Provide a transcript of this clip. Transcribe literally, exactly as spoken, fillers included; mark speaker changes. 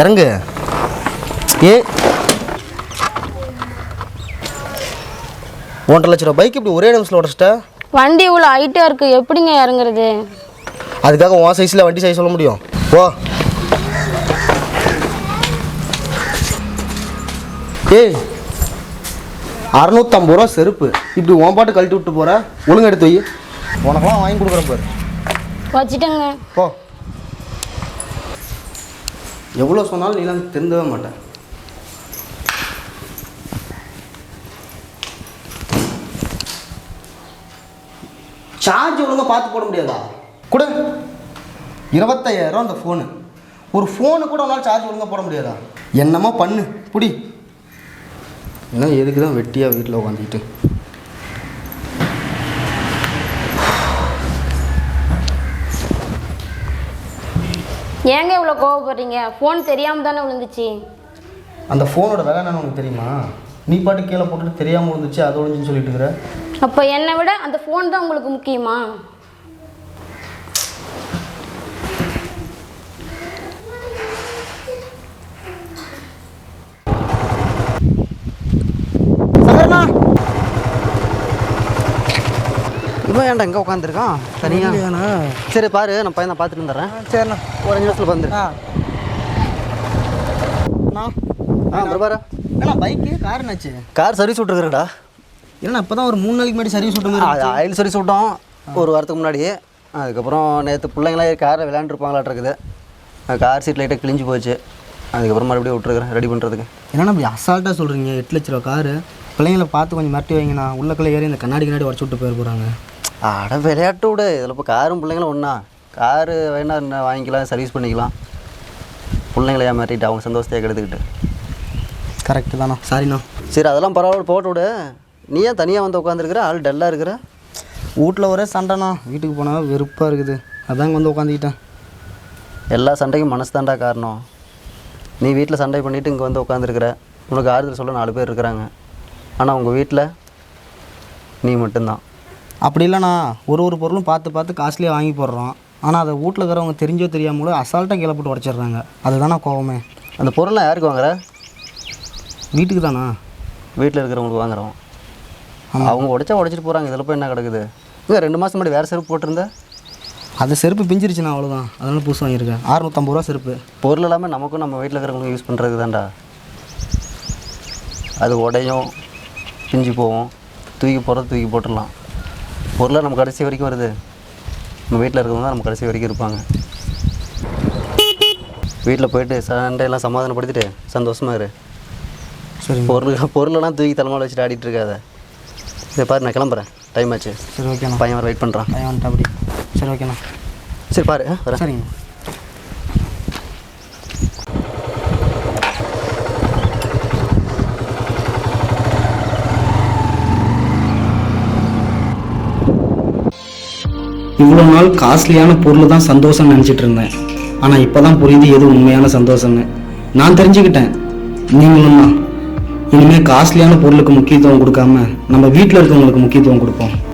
Speaker 1: இறங்கு. ஏ ஒன்றரை லட்ச ரூபா பைக் இப்படி ஒரே நிமிஷத்தில் உடச்சிட்ட.
Speaker 2: வண்டி இவ்வளோ ஹைட்டாக இருக்குது, எப்படிங்க இறங்குறது?
Speaker 1: அதுக்காக உன் சைஸில் வண்டி சைஸ் சொல்ல முடியும்? ஓ ஏய், அறநூற்றம்பது ரூபா செருப்பு இப்படி உன் பாட்டு கழட்டி விட்டு போகிற. ஒழுங்கு எடுத்து வை, உனக்கெல்லாம் வாங்கி கொடுக்குறேன் பாரு.
Speaker 2: வச்சுட்டேங்க.
Speaker 1: போ. எவ்வளோ சொன்னாலும் நீலாம் திருந்தவே மாட்டேன். சார்ஜ் ஒழுங்காக பார்த்து போட முடியாதா? கொடு. இருபத்தையாயிரம் அந்த ஃபோனு. ஒரு ஃபோனு கூட உன்னால் சார்ஜ் ஒழுங்காக போட முடியாதா? என்னமோ பண்ணு புடி. ஏன்னா எதுக்கு தான் வெட்டியாக வீட்டில் உட்காந்துக்கிட்டு.
Speaker 2: ஏங்க இவ்வளோ கோவப்படுறீங்க? ஃபோன் தெரியாமல் தானே விழுந்துச்சு.
Speaker 1: அந்த ஃபோனோட விலை என்னன்னு உனக்கு தெரியுமா? நீ பாட்டு கீழே போட்டுட்டு தெரியாமல் விழுந்துச்சு, அது ஒழிஞ்சுன்னு சொல்லிட்டு இருக்கிற.
Speaker 2: அப்போ என்னை விட அந்த ஃபோன் தான் உங்களுக்கு முக்கியமா?
Speaker 3: இவன் ஏன்டா இங்கே உட்காந்துருக்கான் தனியாக? சரி பாரு, நான் பையனை பார்த்துட்டு வந்துடுறேன். சரிண்ணா, ஒரு அஞ்சு நிமிஷத்தில் வந்துடு. ஆ பிரபாரா,
Speaker 1: ஏன்னா பைக்கு கார் என்னாச்சு?
Speaker 3: கார் சர்வீஸ் விட்டுருக்குறடா.
Speaker 1: இல்லைண்ணா இப்போ தான் ஒரு மூணு நாளைக்கு முன்னாடி சர்வீஸ் விட்டு
Speaker 3: அது ஆயில் சர்வீஸ் விட்டோம் ஒரு வாரத்துக்கு முன்னாடி. அதுக்கப்புறம் நேற்று பிள்ளைங்களாம் காரில் விளையாண்டுருப்பாங்களாட்டு இருக்குது. கார் சீட் லைட்டாக கிழிஞ்சு போச்சு. அதுக்கப்புறம் மறுபடியும் விட்டுருக்குறேன் ரெடி பண்ணுறதுக்கு.
Speaker 1: என்னன்னா இப்படி அசால்ட்டாக சொல்கிறீங்க? எட்டு லட்ச ரூபா காரு. பிள்ளைங்களை பார்த்து கொஞ்சம் மிரட்டி வைங்கண்ணா. உள்ளக்குள்ளே ஏறி இந்த கண்ணாடி கண்ணாடி உடச்சு விட்டு போயிட போகிறாங்க.
Speaker 3: அட விளையாட்டு விடு, இதில் இப்போ காரும் பிள்ளைங்களும் ஒன்றா. காரு வேணா என்ன வாங்கிக்கலாம், சர்வீஸ் பண்ணிக்கலாம். பிள்ளைங்கள ஏமாற்றிட்டு அவங்க சந்தோஷத்தை கெடுத்துக்கிட்டு.
Speaker 1: கரெக்டு தாண்ணா, சாரிண்ணா.
Speaker 3: சரி அதெல்லாம் பரவாயில்ல, போட்டு விடு. நீ ஏன் தனியாக வந்து உட்காந்துருக்குற? ஆள் டல்லாக இருக்கிற.
Speaker 1: வீட்டில் ஒரே சண்டைண்ணா. வீட்டுக்கு போனால் வெறுப்பாக இருக்குது, அதாங்க வந்து உட்காந்துக்கிட்டேன்.
Speaker 3: எல்லா சண்டைக்கும் மனசு தாண்டா காரணம். நீ வீட்டில் சண்டை பண்ணிவிட்டு இங்கே வந்து உட்காந்துருக்குற. உனக்கு ஆறுதல் சொல்ல நாலு பேர் இருக்கிறாங்க. ஆனால் உங்கள் வீட்டில் நீ மட்டும்தான்.
Speaker 1: அப்படி இல்லைண்ணா, ஒரு ஒரு பொருளும் பார்த்து பார்த்து காஸ்ட்லியாக வாங்கி போடுறோம். ஆனால் அதை வீட்டில் இருக்கிறவங்க தெரிஞ்சோ தெரியாமலோ அசால்ட்டாக கீழே போட்டு உடச்சிட்றாங்க. அதுதானா கோவமே.
Speaker 3: அந்த பொருள்லாம் யாருக்கு வாங்குற?
Speaker 1: வீட்டுக்கு தானா?
Speaker 3: வீட்டில் இருக்கிறவங்களுக்கு வாங்குறோம். அவங்க உடச்சா உடச்சிட்டு போகிறாங்க. இதில் போய் என்ன கிடக்குது? இல்லை ரெண்டு மாதம் முன்னாடி வேறு செருப்பு போட்டிருந்தேன்.
Speaker 1: அது செருப்பு பிஞ்சிருச்சுண்ணா, அவ்வளோதான். அதனால புதுசு வாங்கியிருக்கேன். அறுநூற்றம்பது ரூபா செருப்பு.
Speaker 3: பொருள் எல்லாமே நமக்கும் நம்ம வீட்டில் இருக்கிறவங்களுக்கு யூஸ் பண்ணுறது தான்டா. அது உடையும் பிஞ்சு போவோம். தூக்கி போடுறது தூக்கி போட்டுடலாம். பொருளை நம்ம கடைசி வரைக்கும் வருது. நம்ம வீட்டில் இருக்கிறவங்க தான் நம்ம கடைசி வரைக்கும் இருப்பாங்க. வீட்டில் போயிட்டு சண்டையெல்லாம் சமாதானப்படுத்திட்டு சந்தோஷமாக இரு.
Speaker 1: சரி,
Speaker 3: பொருள் பொருளெல்லாம் தூக்கி தலைமையில் வச்சுட்டு ஆடிட்டு இருக்காத. சரி பாரு, நான் கிளம்புறேன், டைம் ஆச்சு.
Speaker 1: சரி ஓகேண்ணா.
Speaker 3: பையன் வர வெயிட் பண்ணுறான்.
Speaker 1: பையன் வந்துட்டு அப்படி. சரி ஓகேண்ணா.
Speaker 3: சரி பாரு, வரேன்.
Speaker 1: சரிங்க. இவ்வளோ நாள் காஸ்ட்லியான பொருள் தான் சந்தோஷம்னு நினச்சிட்டு இருந்தேன். ஆனால் இப்போ தான் புரியுது எது உண்மையான சந்தோஷம்னு. நான் தெரிஞ்சுக்கிட்டேன், நீங்களும் தான். இனிமேல் காஸ்ட்லியான பொருளுக்கு முக்கியத்துவம் கொடுக்காம நம்ம வீட்டில் இருக்கவங்களுக்கு முக்கியத்துவம் கொடுப்போம்.